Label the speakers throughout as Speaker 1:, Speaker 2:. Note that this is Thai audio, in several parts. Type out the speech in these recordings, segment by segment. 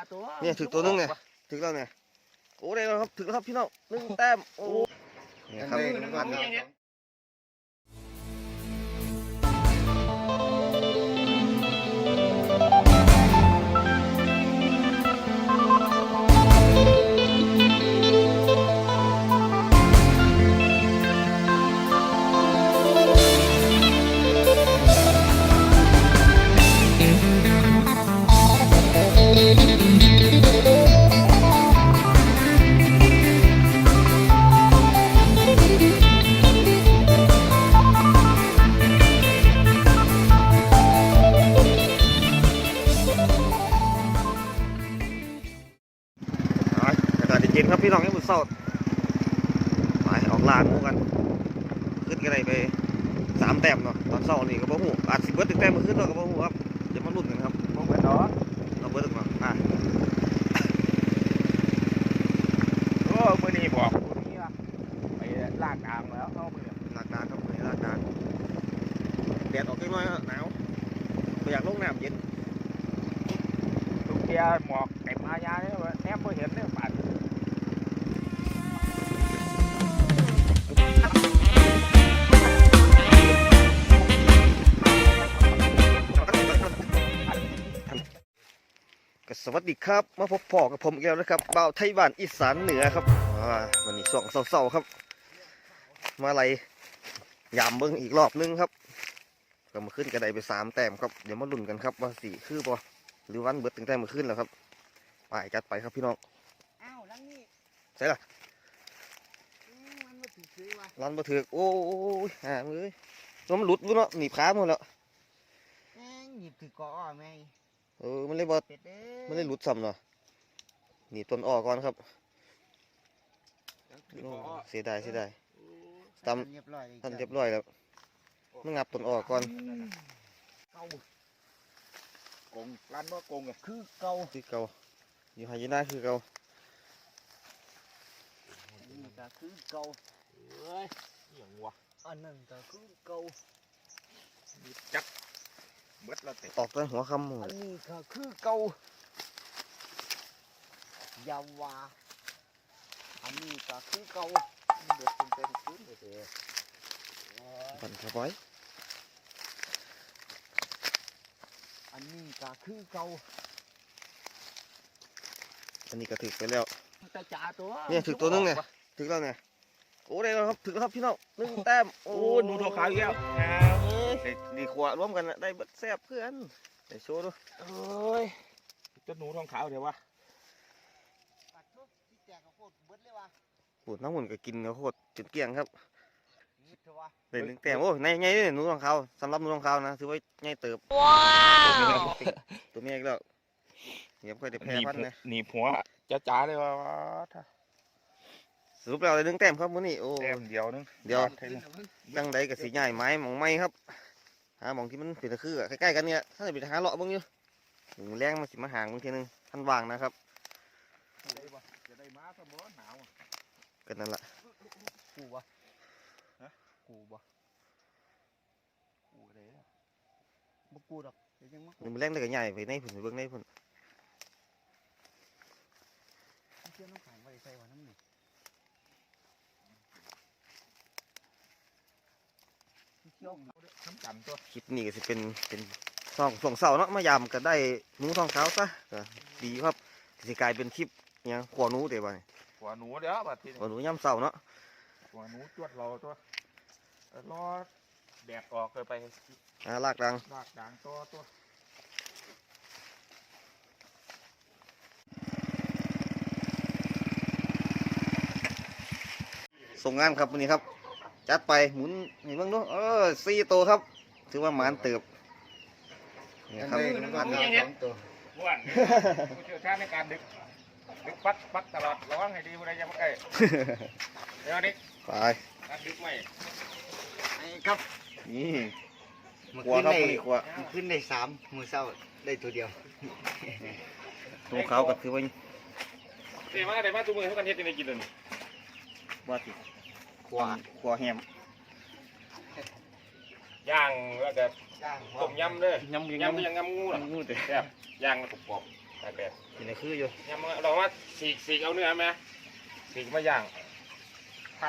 Speaker 1: เนี่ยถึงตัวนึงเนี่ยถึงแล้วเนี่ยโอ้ได้แล้วครับถึงแล้วครับพี่น้อง1 แต้มโอ้เนี่ยครับเย็นครับพี่น้องยังมือเศร้าไปออกลานมูกันขึ้นกันไป3 แต้มเนาะตอนเศร้านี่ก็บ่หูอาจสิเบิด1 แต้มมาขึ้นเราก็บ่หูครับเดี๋ยวมาลุ้นกันครับบ่เบิดเนาะเราเบิดมา
Speaker 2: โอ้มือนี้บอกมือนี้ว่าไปลากดางแล้วเข้ามือ
Speaker 1: ลากดางครับมือลากดางแดดออกน้อยหนาวไม่อยากลงน้ำเย็น
Speaker 2: ลูกเกียหมอกเต็มอายาเนี่ยแนบไม่เห็นเนี่ยปัด
Speaker 1: สวัสดีครับมาพบพ่อกับผมอีกแล้วนะครับบ่าวไทยบ้านอีสานเหนือครับวันนี้ช่วงเศร้าๆครับมาอะไรยามเบิ้งอีกรอบนึงครับก็มาขึ้นกระไดไป3 แต้มครับเดี๋ยวมาลุ้นกันครับว่า4คือบ่หรือวันเบิดถึงแต้มมาขึ้นแล้วครับไปจัดไปครับพี่น้อง
Speaker 3: อ้าวลังนี่
Speaker 1: ใช่ล่ะ
Speaker 3: มันมาถือซื้อวะ
Speaker 1: รันมาถือโอ้ยมือตัวมันหลุดวุ้นเนาะหนีบขาหมดแล้ว
Speaker 3: แม่งหยิบถือก่อแม่
Speaker 1: มันเลยบอมันเลยหลุดซ้ำเนาะหนีต้นอ้อก่อนครับเสียดายตำท่านเรียบร้อยแล้วมันงับต้นอ้อก่อน
Speaker 2: เก่ากงร้านบ่กงอ่ะ
Speaker 1: คือเก่าอยู่หายนาคือเก่า
Speaker 3: นี่ก็คือเก่า
Speaker 2: เฮ้ยอย่างวะ
Speaker 3: อันนั้นก็คือเก่า
Speaker 2: จักเบิดแล้วเตะ
Speaker 1: ออกตั้งหัวคำ
Speaker 3: อันนี้ก็คือเก่ายาวาอันนี้ก็คือเก่า
Speaker 2: เดือดเต็มพื้นเลยเตะ
Speaker 1: ปั่นเข้าไป
Speaker 3: อันนี้ก็คือเก่า
Speaker 1: อันนี้ก็ถึกไปแล้ว
Speaker 3: ตาจ่าตัว
Speaker 1: เนี่ยถึกตัวนึงเนี่ยถึกแล้วเนี่ยโอ้ได้แล้วครับถึกแล้วครับพี่น้อง1 แต้ม
Speaker 2: โอ้หนูทองขาวอีกแล้ว
Speaker 1: ดีขวาร่วมกันได้เบิดแซ่บเพื่อนได้โชว์ดู
Speaker 2: เอ้ยจะหนูทองขาวเดี๋ยววะ
Speaker 1: ปวดน้ำหุ่นก็กินเขาโคตรจุดเกี่ยงครับได้1 แต้มโอ้ในไงเนี่ยหนูทองขาวสำหรับหนูทองขาวนะถือว่าไงเติบ
Speaker 3: ว้าว
Speaker 1: ตัวนี้อีกแล้วเดี๋ยวค่อยได้แพ้พันนะ
Speaker 2: หนีหัวจ้าเลยว่า
Speaker 1: สรุปแล้วได้1 แต้มครับมื้อนี้โอ้
Speaker 2: แต้มเดียวนึง
Speaker 1: ตั้งใดกับสีใหญ่ไม้หมองไม้ครับหาหมองที่มันเป็นตะคือใกล้ๆกันเนี่ยถ้าจะไปหาเลาะบ้างอยู่แรงมาสิมาห่างบางทีนึงท่านวางนะครับ
Speaker 2: จะได้มาสมบูรณ์หนาว
Speaker 1: กันนั่นแหละ
Speaker 3: กูบ่เลยบ่กูดอก
Speaker 1: มันแรงได้กับใหญ่ไปในผุนไปเบื้องในผุน
Speaker 3: เชื่อน้องขายไว้ใส่วันน้ำหนึ่ง
Speaker 1: คลิปนี้ก็จะเป็นส่องเสาเนาะมายำก็ได้หนูทองขาวซะก็ดีครับจะกลายเป็นคลิปยังขวาหนูเดี๋ยวไป
Speaker 2: ขวาหนูเดี๋ยวบัดที
Speaker 1: ขวาหนูย่ำเสาเนาะ
Speaker 2: ขวาหนูจวดเราตัวรอแดดออกเลยไป
Speaker 1: ลากดัง
Speaker 2: ตัว
Speaker 1: ส่งงานครับวันนี้ครับจัดไปหมุนเห็นบ้างดู4 ตัวครับถือว่าหมานเติบ
Speaker 2: นี่ครับตัวล้วนผู้เชี่ยวชาญในการดึกปักตลอดระวังให้ดีผู้ใดจะมาใกล้เดี๋ยวนี้
Speaker 1: ไป
Speaker 2: การดึกไหม
Speaker 3: ครับ
Speaker 1: นี่ขวาครับนี่ขวา
Speaker 3: ขึ้นได้3มือเศร้าได้ตัวเดียว
Speaker 1: ตัวเขาก็ถือว่า
Speaker 2: เดี๋ยวมาตัวมือเขากันเฮ็ดยังไงกินเลย
Speaker 1: ว่าติขวาแฮม
Speaker 2: ย่างแล้วก็ต้มยำเลยยำก็ยังยำงูหรอ
Speaker 1: งูแต่
Speaker 2: ย่างมันกรอบแปด
Speaker 1: อยู่ในคืออยู่
Speaker 2: ยังมาเราว่าสีกเอาเนื้อไหมสีกมาย่างพัน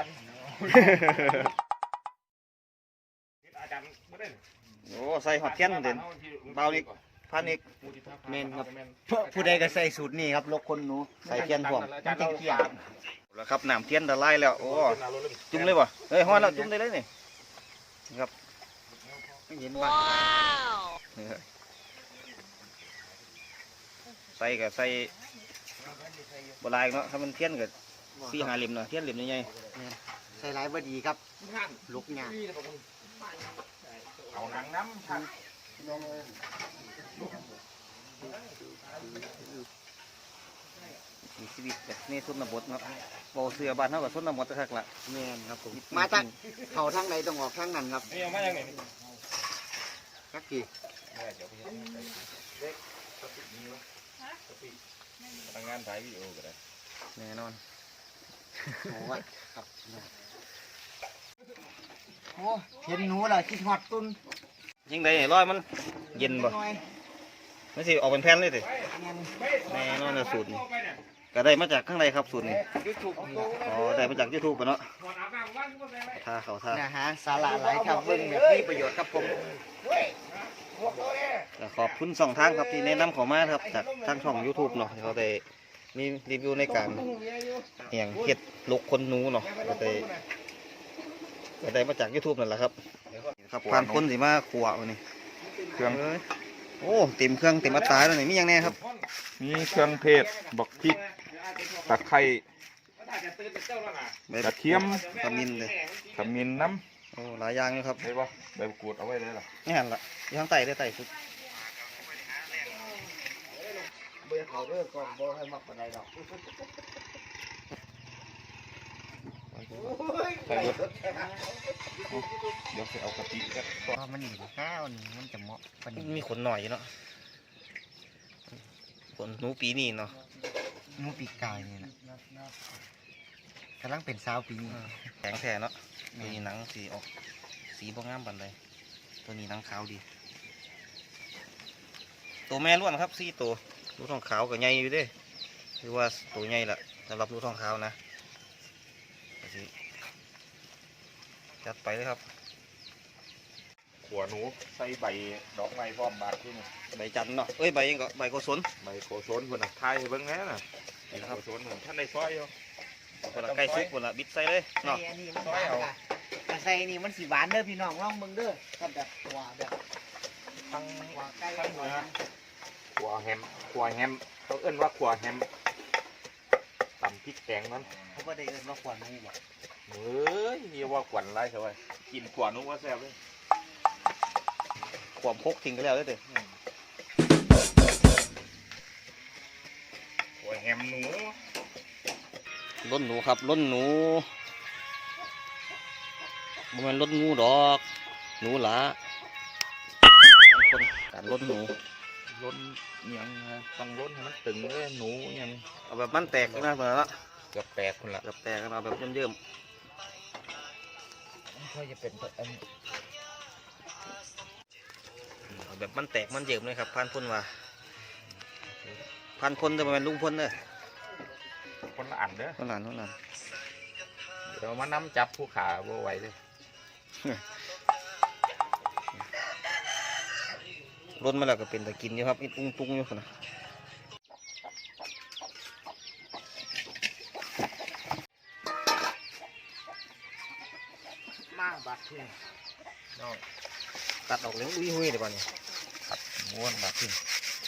Speaker 2: อาจารย์ไม่ได้
Speaker 1: โอ้ใส่หอดเทียนเด่นเบาอีกพันอีก
Speaker 3: เมนครับผู้ใดก็ใส่สูตรนี้ครับลกคนหนู
Speaker 1: ใส่เทียนพร้อม
Speaker 2: อาจารย์เราเขียน
Speaker 1: แล้วครับน้ำเทียนละลายแล้วโอ้จุ่มเลยบ่เฮ้ยฮ้อนแล้วจุ่มได้เลยนี่ครับ
Speaker 3: ไม่เห็นว่า
Speaker 1: นี่ครับใส่กับใส่บลายเนาะถ้ามันเทียนกับ4-5 เหลี่ยมเนาะเทียนเหลี่ยมใหญ่
Speaker 3: ใส่หลายบ่ดีครับลุกยาก
Speaker 2: เอาหนังน้ำชัก
Speaker 1: มีชีวิตแบบนี่สุนบทเนาะบ่เสือบ้านเฮากับสุนบทคักละ
Speaker 3: แม่นครับผมมาจากเขาทางไหนต้องออกทางนั้นครับ
Speaker 2: นี่ยังไม่ยังไง
Speaker 3: สักกี่
Speaker 2: เดี๋ยวไปเล็กทำงานถ่ายวิดีโอก็ได้
Speaker 1: แน่นอน
Speaker 3: โอ้ยครับโอ้เห็นหนูแล้วคิดฮอดตุ้น
Speaker 1: ยิ่งใดร้อยมันเย็นบ่
Speaker 3: หน่อย
Speaker 1: ไม่สิออกเป็นแผ่นเลยติ
Speaker 3: แม่น
Speaker 1: แน่นอนนะสูตรนี้ก็ได้มาจากข้างในครับสูตรนี้
Speaker 3: ยูทูบนี่
Speaker 1: อ๋อได้มาจาก YouTube ปะเนาะท่าเขาท่า
Speaker 3: นะฮะสาระหลายครับเบิ่งแบบมีประโยชน์ครับผม
Speaker 1: ก็ขอบคุณสองทางครับที่แนะนำเขอมาครับจากทางช่อง YouTube เนาะที่เขาได้มีรีวิวในการเฮ็ดลกคนหนูเนาะก็ได้มาจาก YouTube นั่นแหละครับครับผ่านคนสิมาขัววันนี้
Speaker 2: เครื่อง
Speaker 1: โอ้เต็มเครื่องเต็มอัตราแล้วนี่มีหยังแน่ครับ
Speaker 2: มีเครื่องเทศบักพริกตะไคร้
Speaker 1: ใบ
Speaker 2: กระเทียม
Speaker 1: ขมิ้นเลย
Speaker 2: ขมิ้นน้
Speaker 1: โอ้หลายอย่างอยู่ครับ
Speaker 2: ำได้ปะใบมะกรูดเอาไว้ได้หรอ
Speaker 1: นี่หันละอยู่ข้างใต้ได้ใต้สุด
Speaker 3: เบิ่งเขาเด้อก่อนบ่ให้มักปานใดดอก
Speaker 2: ใส่รถเดี๋ยวจะเอากะทิกัน
Speaker 3: เพราะมันนี่ข้าวนี่มันจะเหมาะปานนี้
Speaker 1: มีขนหน่อยอยู่เนาะขนหนูปีนี้เนาะ
Speaker 3: หนูปีกายนี่นะกำลังเป็นสาวปีนี้
Speaker 1: แข็งแท้เนาะตัวนี้หนังสีออกสีบ่งามปานใดตัวนี้หนังขาวดีตัวแม่ล้วนครับ4 ตัวลูกทองขาวก็ใหญ่อยู่เด้คือว่าตัวใหญ่ละสำหรับลูกทองขาวนะก็สิจัดไปเลยครับ
Speaker 2: ขัวหนูใส่ใบดอกไม้พร้อมบาดที่นี่
Speaker 1: ใบจันทร์เนาะเอ้ยใบยังก็ใบโกศล
Speaker 2: ใบโกศลคนน่ะทายให้เบิ่งแน่น่ะใบโกศลเหมือนท่านในซอยอยู่
Speaker 1: คนละใกล้ซุกคนละบิดใส่เลย
Speaker 3: ใส่
Speaker 1: เนาะ
Speaker 3: อันนี้มันหวานค่ะแต่ใส่อันนี้มันสีหวานเด้อพี่น้องลองเบิ่งเด้อครับแบบหัวแบบ
Speaker 2: ทั้ง
Speaker 3: หัวไก่
Speaker 2: ทั้ง
Speaker 3: หัว
Speaker 2: เนื้อขัวแฮมเขาเอิ้นว่าขัวแฮมตำพริกแกงนั้น
Speaker 3: เขาก็ได้เอิ้นว่าขวานหมูบ่
Speaker 2: เฮ้ยนี่ว่าขวัญไรเขาไว้กินขวานนู้ว่าแซ่บเลย
Speaker 1: ความพกทิ้งไปแล้วเด้อ
Speaker 2: ขัวแฮมหนู
Speaker 1: ล้นหนูครับล้นหนูบ่แม่นล้นงูดอกหนูหลาคนการล้นหนู
Speaker 2: ล้นยังฮะต้องล้นให้มันตึงเลยหนูยัง
Speaker 1: เอาแบบมันแตกนะเพื่อนละ
Speaker 2: เกือบแตกคนละ
Speaker 1: แบบแตกกันเอาแบบเยิ่ม
Speaker 3: ค่อยจะเป็นอัน
Speaker 1: ๆเอาแบบมันแตกมันเยิ่มเลยครับพันพ่นว่าพันพ่นจะมาเป็นลุงพ่นเด้อ
Speaker 2: คนละอันเด้อ
Speaker 1: นั่นนั่น
Speaker 2: เดี๋ยวมาน้ำจับผู้ขาบ่ไหวเลย
Speaker 1: ล้นมาแล้วก็เป็นตะกินอยู่ครับอิตุ้งตุ้งอยู่คนนะ
Speaker 3: มากบาดที่
Speaker 2: น้อง
Speaker 1: ตัดออกเลยอุ้ยหุ้ยเดี๋ยวก่อนนี่
Speaker 2: ขัดม้วนแบบนี้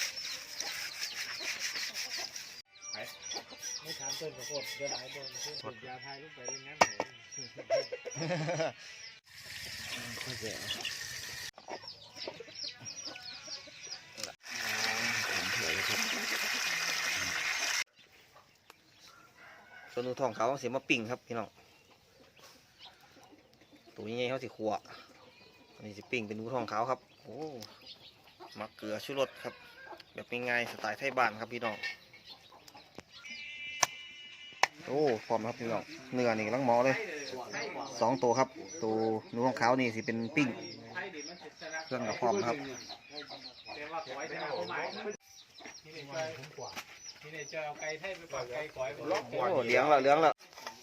Speaker 3: ไม่ถามเพิ่นก็โคตรเดี๋ยวหลายบ่เพิ่นยาพายลงไปเล่นน้ำค่อยแก่
Speaker 1: ส่วนหนูทองเขาวเสียมาปิ้งครับพี่น้องตัวนี้ไงเขาสิขัวอันนี้สิปิ้งเป็นหนูทองขาวครับโอ้มักเกลือชูรสครับแบบง่ายๆสไตล์ไทยบ้านครับพี่น้องโอ้พร้อมครับพี่น้องเนื้อนี่กำลังหมอเลย2 ตัวครับตัวหนูทองขาวนี่สิเป็นปิ้งเครื่องกับพร้อมครับ
Speaker 2: นี่เนี่ยจะเอาไก่ไทยไปฝากไก่ก๋อยล็อก
Speaker 1: โอ้เหลืองแล้วเหลืองแล้ว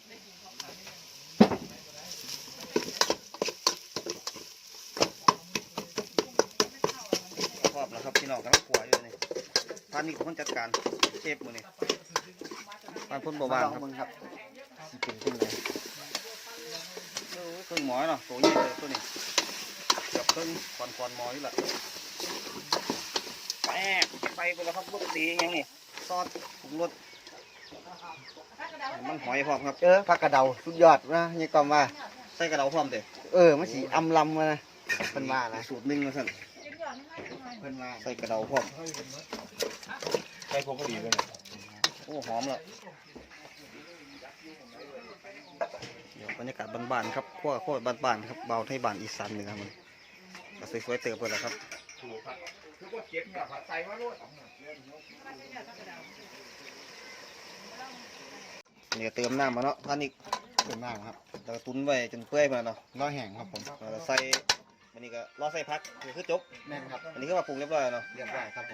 Speaker 1: ครอบแล้วครับพี่น้องกำลังขัวอยู่นี่พานนี่คนจัดการเชฟมือนี่พานพ่นบ่บ้างครับ
Speaker 3: มึงครับสิเป็นจังได๋
Speaker 1: เครื่องหมอเนาะตัวใหญ่เลยตัวนี้เกือบเครื่องคอนหมอนี่แหละแป๊บไปแล้วครับลูกตีอย่างนี้ซอสปรุงรสมันหอยพร้อมครับ
Speaker 3: ผักกระเดาสุดยอดนะนี่ก็ว่า
Speaker 1: ใส่กระเดาพร้อมเด้
Speaker 3: มันสิอำลำมานะเพิ่นว่านะ
Speaker 1: สูตรหนึ่งนะท่าน
Speaker 3: เพิ่นว่า
Speaker 1: ใส่กระเดาพร้อม
Speaker 2: ไก่พวกก็ดีเลย
Speaker 1: โอ้หอมแล้วเดี๋ยวบรรยากาศบ้านๆครับขั้วบ้านๆครับเบาไทยบ้านอีสานเหนือมันก็สวยๆเติบไปแล้วครับ
Speaker 2: ถูกครับคือว่าเก็บเนี่ยผัดใส่มาโลด
Speaker 1: เนี่ยเติมน้ำมาเนาะท่านอีก
Speaker 3: เพิ่นว่าครับ
Speaker 1: เราตุ้นไว้จนเปื่อยมาเนาะ
Speaker 3: รอแห้งครับผม
Speaker 1: เราใส่วันนี้ก็รอใส่พักนี่คือจบ
Speaker 3: แม่นครับ
Speaker 1: อันนี้ก็มาปรุงเรียบร้อยแล้วเนาะ
Speaker 3: เรียบร้อยครับผม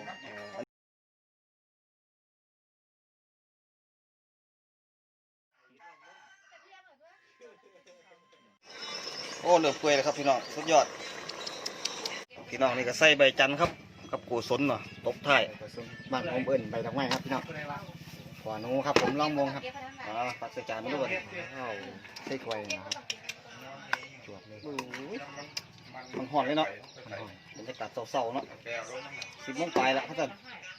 Speaker 1: โอ้เหลือเปื่อยเลยครับพี่น้องสุดยอดพี่น้องนี่ก็ใส่ใบจันทร์ครับกับกูสนเนาะตบท้าย
Speaker 3: บ้านผมเอิ้นใบดอกไม้ครับพี่น้องขอหนูครับผมลองมงครับ
Speaker 1: ปัดใส่จานมาด้วย
Speaker 3: ใส่ถ้วยนะครับจวบเลย
Speaker 1: มันหอนเลยเนาะบรรยากาศเศร้าๆเนาะ10 โมงปลายแล้วครับท่าน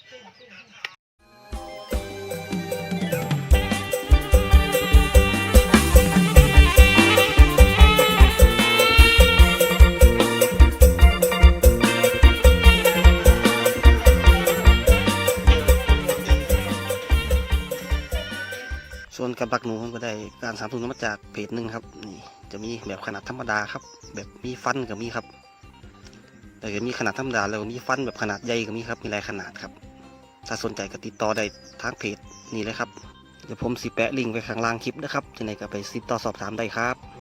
Speaker 1: ส่วนการปักหนูก็ได้การสามทุนมาจากเพจหนึ่งครับนี่จะมีแบบขนาดธรรมดาครับ แบบมีฟันก็มีครับแต่ก็มีขนาดธรรมดาแล้วก็มีฟันแบบขนาดใหญ่ก็มีครับมีหลายขนาดครับถ้าสนใจก็ติดต่อได้ทางเพจนี่เลยครับเดี๋ยวผมสิแปะลิงก์ไว้ข้างล่างคลิปนะครับจะไหนก็ไปติดต่อสอบถามได้ครับ